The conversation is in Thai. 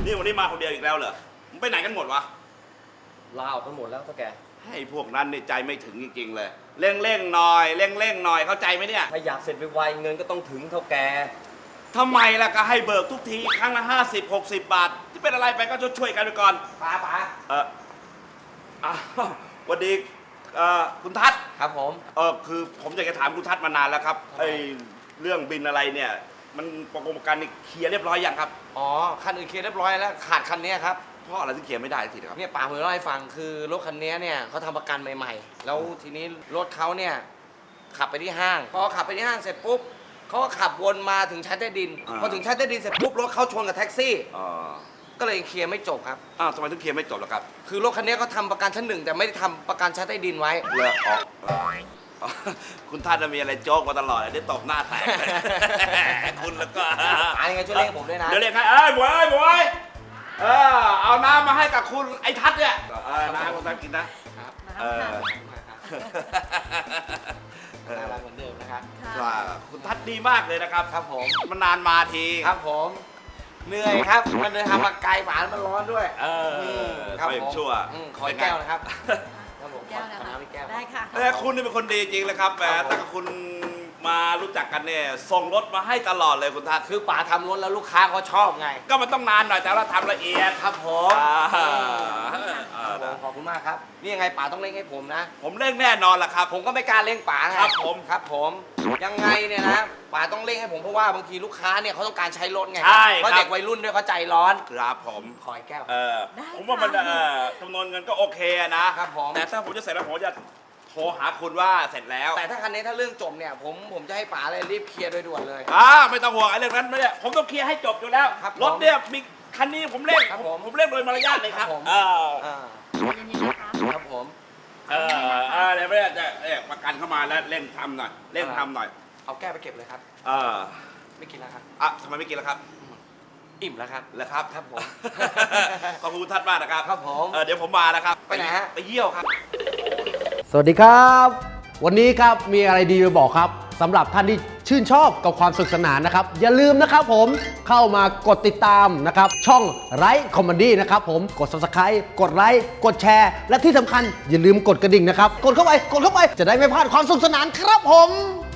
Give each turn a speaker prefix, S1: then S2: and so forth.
S1: นี่วันนี้มาคนเดียวอีกแล้วเหรอมึงไปไหนกันหมดวะ
S2: ลาออกกันหมดแล้วเท่าแก
S1: ให้พวกนั้นนี่ใจไม่ถึงจริงๆเลยเร่งหน่อยเร่งหน่อยเข้าใจไหมเนี่ย
S2: ถ้าอยากเสร็จไวๆเงินก็ต้องถึงเท่าแก
S1: ทำไมล่ะก็ให้เบิกทุกทีครั้งละ50-60 บาทที่เป็นอะไรไปก็ช่วยกันไปก่อน
S2: ป๋า
S1: วันดีคุณทัศน์
S2: ครับผม
S1: คือผมอยากจะถามคุณทัศน์มานานแล้วครับไอ้เรื่องบินอะไรเนี่ยมันประกันนี่เคลียร์เรียบร้อยยังครับ
S2: อ๋อคันอื่นเคลียร์เรียบร้อยแล้วขาดคันนี้ครับ
S1: เพราะอะไรถึงเคลียร์ไม่ได้ทีครับ
S2: เนี่ยป๋าผมเล่าให้ฟังคือรถคันนี้เนี่ยเขาทำประกันใหม่ๆแล้วทีนี้รถเขาเนี่ยขับไปที่ห้างพอขับไปที่ห้างเสร็จปุ๊บเขาก็ขับวนมาถึงชั้นใต้ดินพอถึงชั้นใต้ดินเสร็จปุ๊บรถเขาชนกับแท็กซี่ก็เลยเคลียร์ไม่จบครับ
S1: ทำไมถึงเคลียร์ไม่จบล่ะครับ
S2: คือรถคันนี้เขาทำประกันชั้น1แต่ไม่ได้ทำประกันชั้นใต้ดินไว้
S1: เลยคุณท่านมีอะไรโจ๊กมาตลอดได้ตบหน้าแตกคุณแล้วก็
S2: ยังไงช่วยเรียกผมด้วยนะ
S1: เดี๋ยวเรียกให้บวยเอาน้ำมาให้กับคุณไอ้ทัศน์เนี่ยน้ำคุณทัศน์กินนะ
S2: น่ารักเหมือนเดิมนะครับ
S1: คุณทัศน์ดีมากเลยนะครับ
S2: ครับผม
S1: มันนานมาที
S2: ครับผมเหนื่อยครับมันเดินทางมาไกลหวานมันร้อนด้วย
S1: ครับผมชั่ว
S2: ขอแก้วนะครับครับผม
S3: แก้วนะคะ
S2: แก้ว
S3: ได้ค่ะ
S1: คุณนี่เป็นคนดีจริงเลยครับตั้งแต่คุณมารู้จักกันเนี่ยส่งรถมาให้ตลอดเลยคุณทัศน์
S2: คือป๋าทำรถแล้วลูกค้าเขาชอบไง
S1: ก็มันต้องนานหน่อยแต่เราทำละเอียด
S2: ครับผมขอบคุณมากครับนี่ยังไงป๋าต้องเร่งให้ผมนะ
S1: ผมเร่งแน่นอนล่ะครับ
S2: ผมก็ไม่กล้าเร่งป๋า
S1: ครับ
S2: ผมยังไงเนี่ยนะป๋าต้องเร่งให้ผมเพราะว่าบางทีลูกค้าเนี่ยเขาต้องการใช้รถไงเพราะเด็กวัยรุ่นด้วยเขาใจร้อน
S1: ครับผม
S2: ขอแก้ว
S1: ผมว่ามันจำนวนเงินก็โอเคนะครับ
S2: ผม
S1: แต่ถ้าผมจะเสร็จแล้วผมจะโทรหาคุณว่าเสร็จแล้ว
S2: แต่ถ้าคันนี้ถ้าเรื่องจบเนี่ยผมจะให้ป๋าเลยรีบเคลียร์โดยด่วนเลย
S1: ไม่ต้องห่วงไอ้เรื่องนั้นไม่ได้ผมต้องเคลียร์ให้จบอยู่แล้วรถเนี่ยมีคันนี้ผมเร่งโดยมารยาทเลยครับ
S3: เย็นๆนะคะ
S2: ครับผม
S1: เดี๋ยวไม่ได้จะประกันเข้ามาแล้วเร่งทำหน่อย
S2: เอาแก้วไปเก็บเลยครับไม่กินแล้วครับ
S1: ทำไมไม่กินแล้วครับ
S2: อิ่มแล้วครับ
S1: แล้วครับ
S2: ครับผม
S1: ขอบคุณท่านมากนะครับ
S2: ครับผม
S1: เดี๋ยวผมมานะครับ
S2: ไปไหนฮะ
S1: ไปเยี่ยวครับ
S4: สวัสดีครับวันนี้ครับมีอะไรดีมาบอกครับสำหรับท่านที่ชื่นชอบกับความสนุกสนานนะครับอย่าลืมนะครับผมเข้ามากดติดตามนะครับช่องไลฟ์คอมเมดี้นะครับผมกด Subscribe กดไลค์กดแชร์และที่สำคัญอย่าลืมกดกระดิ่งนะครับกดเข้าไปจะได้ไม่พลาดความสนุกสนานครับผม